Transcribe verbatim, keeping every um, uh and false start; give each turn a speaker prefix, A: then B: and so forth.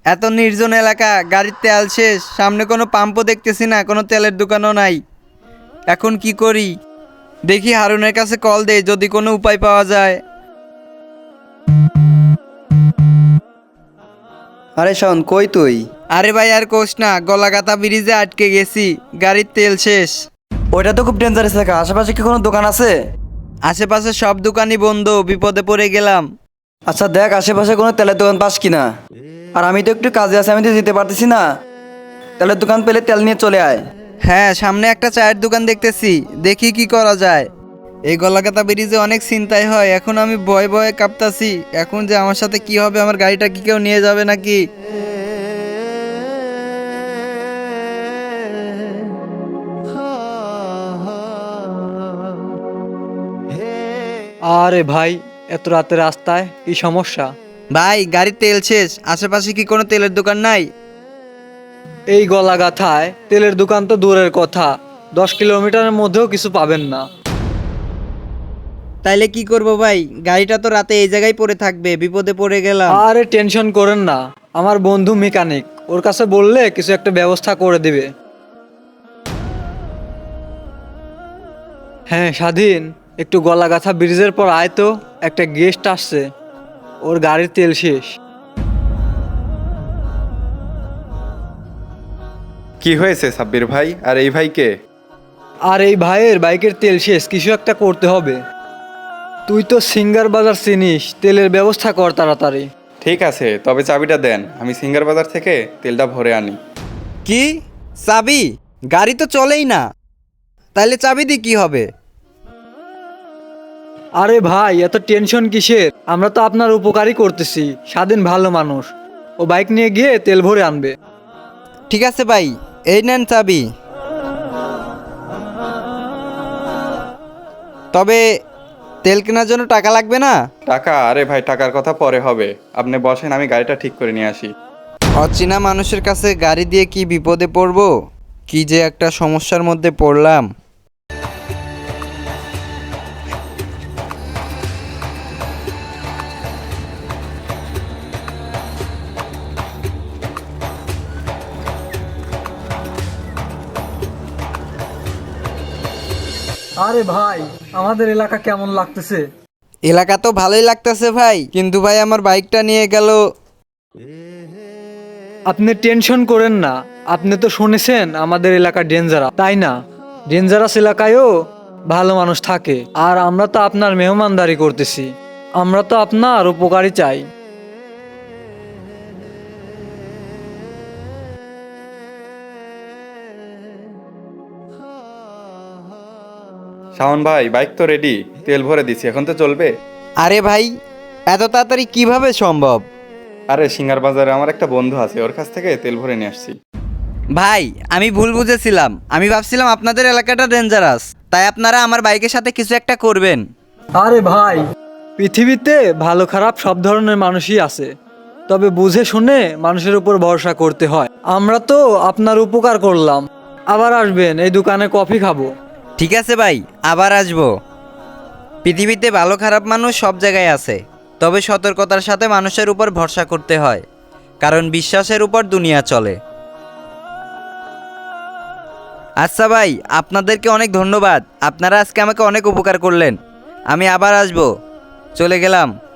A: এত নির্জন এলাকা, গাড়ির তেল শেষ, সামনে কোনো পাম্পও দেখতেছি না, কোনো তেলের দোকানও নাই। এখন কি করি? দেখি হারুনের কাছে কল দেই, যদি কোনো উপায় পাওয়া যায়।
B: আরে শোন, কই তুই?
A: আরে ভাই আর কোস না, গলাগাতা ব্রিজে আটকে গেছি, গাড়ির তেল শেষ।
B: ওইটা তো খুব ডেঞ্জারাস এলাকা, আশেপাশে কি কোনো দোকান আছে?
A: আশেপাশে সব দোকানই বন্ধ, বিপদে পড়ে গেলাম।
B: আচ্ছা দেখ আশেপাশে কোনো তেলের দোকান পাস কিনা। আর আমি তো একটু কাজে আছি, আমি তো যেতে পারতেছি না। তেলের দোকান পেলে তেল নিয়ে চলে আয়।
A: হ্যাঁ, সামনে একটা চায়ের দোকান দেখতেছি, দেখি কি করা যায়। এই গলাকাতা ব্রিজে অনেক চিন্তাই হয়, এখন আমি ভয়ে ভয়ে কাঁপতাছি। এখন যে আমার সাথে কি হবে, আমার গাড়িটা কি কেউ নিয়ে যাবে নাকি?
C: আরে ভাই, এত রাতে রাস্তায় কি সমস্যা?
A: ভাই গাড়ির তেল শেষ, আশেপাশে কি কোনো তেলের দোকান নাই?
C: এই গলা গাথায় তেলের দোকান তো দূরের কথা, দশ কিলোমিটারের মধ্যেও কিছু পাবেন না।
A: তাইলে কি করব ভাই? গাড়িটা তো রাতে এই জায়গায় পড়ে থাকবে, বিপদে পড়ে গেলাম।
C: আরে টেনশন করেন না, আমার বন্ধু মেকানিক, ওর কাছে বললে কিছু একটা ব্যবস্থা করে দিবে। হ্যাঁ স্বাধীন, একটু গলাগাথা ব্রিজের পর আয় তো, একটা গেস্ট আসছে, ওর গাড়ির তেল শেষ।
D: কি হয়েছে সাব্বির ভাই? আর এই ভাইকে?
C: আর এই ভাইয়ের বাইকের তেল শেষ, কিছু একটা করতে হবে। তুই তো সিঙ্গার বাজার চিনিস, তেলের ব্যবস্থা কর তাড়াতাড়ি।
D: ঠিক আছে, তবে চাবিটা দেন, আমি সিঙ্গার বাজার থেকে তেলটা ভরে আনি।
A: কি? চাবি? গাড়ি তো চলেই না, তাইলে চাবি দিয়ে কি হবে?
C: আরে ভাই এত টেনশন কিসের, আমরা তো আপনার উপকারই করতেছি। স্বাধীন ভালো মানুষ, ও বাইক নিয়ে গিয়ে তেল ভরে আনবে।
A: ঠিক আছে ভাই, এই নেন চাবি। তবে তেল কেনার জন্য টাকা লাগবে না?
D: টাকা? আরে ভাই টাকার কথা পরে হবে, আপনি বসেন, আমি গাড়িটা ঠিক করে নিয়ে আসি।
A: অচেনা মানুষের কাছে গাড়ি দিয়ে কি বিপদে পড়বো, কি যে একটা সমস্যার মধ্যে পড়লাম।
C: আরে ভাই, আমাদের এলাকা কেমন লাগতেছে?
A: এলাকা তো ভালোই লাগতেছে ভাই, কিন্তু ভাই আমার বাইকটা নিয়ে গেল।
C: আপনি টেনশন করেন না, আপনি তো শুনেছেন আমাদের এলাকা ডেঞ্জারাস, তাই না? ডেঞ্জারাস এলাকায়ও ভালো মানুষ থাকে, আর আমরা তো আপনার মেহমানদারি করতেছি, আমরা তো আপনার উপকারই চাই।
D: শাওন ভাই, বাইক তো রেডি, তেল ভরে দিছি, এখন তো চলবে।
A: আরে ভাই, এত তাড়াতাড়ি কিভাবে সম্ভব?
D: আরে সিঙ্গার বাজারে আমার একটা বন্ধু আছে, ওর কাছ থেকে তেল ভরে নিয়ে আসছি।
A: ভাই আমি ভুল বুঝেছিলাম, আমি ভাবছিলাম আপনাদের এলাকাটা ডেঞ্জারাস, তাই আপনারা আমার বাইকের সাথে কিছু একটা করবেন।
C: আরে ভাই, পৃথিবীতে ভালো খারাপ সব ধরনের মানুষই আছে, তবে বুঝে শুনে মানুষের উপর ভরসা করতে হয়। আমরা তো আপনার উপকার করলাম, আবার আসবেন, এই দোকানে কফি খাবো।
A: ঠিক আছে ভাই, আবার আসবো। পৃথিবীতে ভালো খারাপ মানুষ সব জায়গায় আছে, তবে সতর্কতার সাথে মানুষের উপর ভরসা করতে হয়, কারণ বিশ্বাসের উপর দুনিয়া চলে। আচ্ছা ভাই, আপনাদেরকে অনেক ধন্যবাদ, আপনারা আজকে আমাকে অনেক উপকার করলেন। আমি আবার আসবো, চলে গেলাম।